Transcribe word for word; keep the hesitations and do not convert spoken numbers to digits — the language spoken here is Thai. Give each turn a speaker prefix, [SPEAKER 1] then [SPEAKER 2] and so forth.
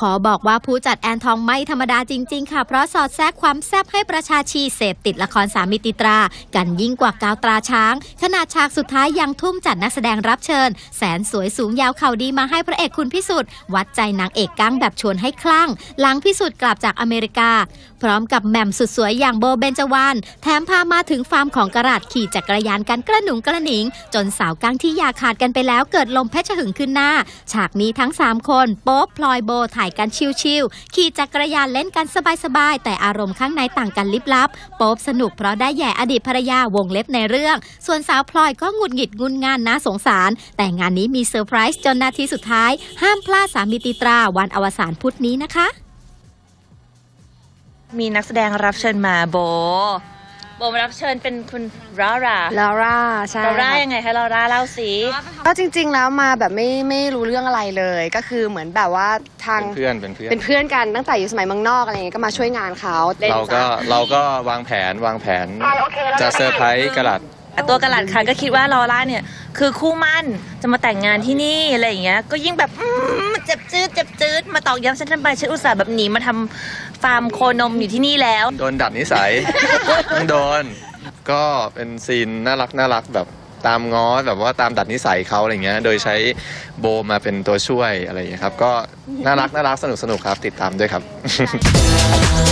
[SPEAKER 1] ขอบอกว่าผู้จัดแอนทองไม่ธรรมดาจริงๆค่ะเพราะสอดแทรกความแซ่บให้ประชาชีเสพติดละครสามมิติตรากันยิ่งกว่ากาวตราช้างขนาดฉากสุดท้ายยังทุ่มจัดนักแสดงรับเชิญแสนสวยสูงยาวเข่าดีมาให้พระเอกคุณพิสุทธิ์วัดใจนางเอกกั้งแบบชวนให้คลั่งหลังพิสุทธิ์กลับจากอเมริกาพร้อมกับแหม่มสุดสวยอย่างโบเบญจวรรณแถมพามาถึงฟาร์มของกระดาษขี่จักรยานกันกระหนุงกระหนิงจนสาวกั้งที่อยากขาดกันไปแล้วเกิดลมเพชรหึงขึ้นหน้าฉากนี้ทั้งสามคนโป๊ปพลอยโบถ่ายกันชิลๆขี่จักรยานเล่นกันสบายๆแต่อารมณ์ข้างในต่างกันลิบลับโป๊ปสนุกเพราะได้แย่อดีตภรรยาวงเล็บในเรื่องส่วนสาวพลอยก็หงุดหงิดงุนงานน่าสงสารแต่งานนี้มีเซอร์ไพรส์จนนาทีสุดท้ายห้ามพลาดสามมิติตราวันอวสานพุธนี้นะคะ
[SPEAKER 2] มีนักแสดงรับเชิญมาโบโบมารับเชิญเป็นคุณลาร่า
[SPEAKER 3] ลาร่าใช่
[SPEAKER 2] ลาร่ายังไงคะลาร่าเล่าสิ
[SPEAKER 3] ก็จริงๆแล้วมาแบบไม่ไม่รู้เรื่องอะไรเลยก็คือเหมือนแบบว่าทาง
[SPEAKER 4] เพื่อนเป็นเพื่อน
[SPEAKER 3] เป็นเพื่อนกันตั้งแต่อยู่สมัยเมืองนอกอะไรเงี้ยก็มาช่วยงานเขา
[SPEAKER 4] เราก็เราก็วางแผนวางแผนจะเซอร์ไพรส์กระดาษ
[SPEAKER 2] ตัวกระหลัดค่ะก็คิดว่าลอร่าเนี่ยคือคู่มั่นจะมาแต่งงานที่นี่อะไรอย่างเงี้ยก็ยิ่งแบบเจ็บจืดเจ็บจืดมาตอกย้ำฉันทำไมฉันอุตส่าห์แบบหนีมาทำฟาร์มโคนมอยู่ที่นี่แล้ว
[SPEAKER 4] โดนดัดนิสัยต้องโดนก็เป็นซีนน่ารักน่ารักแบบตามง้อแบบว่าตามดัดนิสัยเขาอะไรเงี้ยโดยใช้โบมาเป็นตัวช่วยอะไรอย่างเงี้ยครับก็น่ารักน่ารักสนุกสนุกครับติดตามด้วยครับ